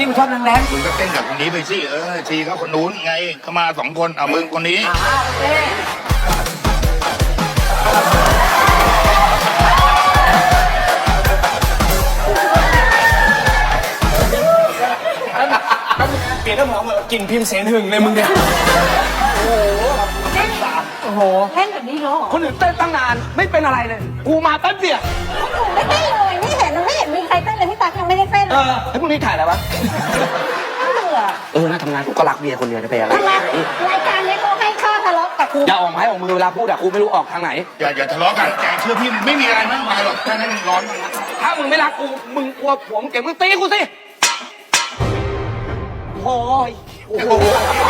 ที่มึงชอบแรงมึงก็เต้นกับคนนี้ไปสิชีเขาคนนู้นไงเขามา2 คนเอามึงคนนี้ๆโอเคเปลี่ยนน้ำหอมกลิ่นพิมพ์เสนหึงเลยมึงเนี่ยโอ้โหเล่นแบบนี้เหรอคนอื่นเต้นตั้งนานไม่เป็นอะไรเลยกูมาแป๊บเดียวไม่เต้นเลยไม่เห็นมีใครเต้นเลยพี่ตั๊กยังไม่ได้เต้นเลยไอ้พวกนี้ถ่ายอะไรวะเบื่อน่าทำงานกูก็รักเมียคนเดียวจะไปอะไรทำไมรายการนี้เขาให้ข้อทะเลาะกับกูอย่าออกไม้ออกมือเวลาพูดอะกูไม่รู้ออกทางไหนอย่าทะเลาะกันแกเชื่อพี่ไม่มีอะไรมากมายหรอกแค่นั้นร้อนมันนะถ้ามึงไม่รักกูมึงกลัวผัวมึงเก่งมึงตีกูสิโอ้ยโอ้โห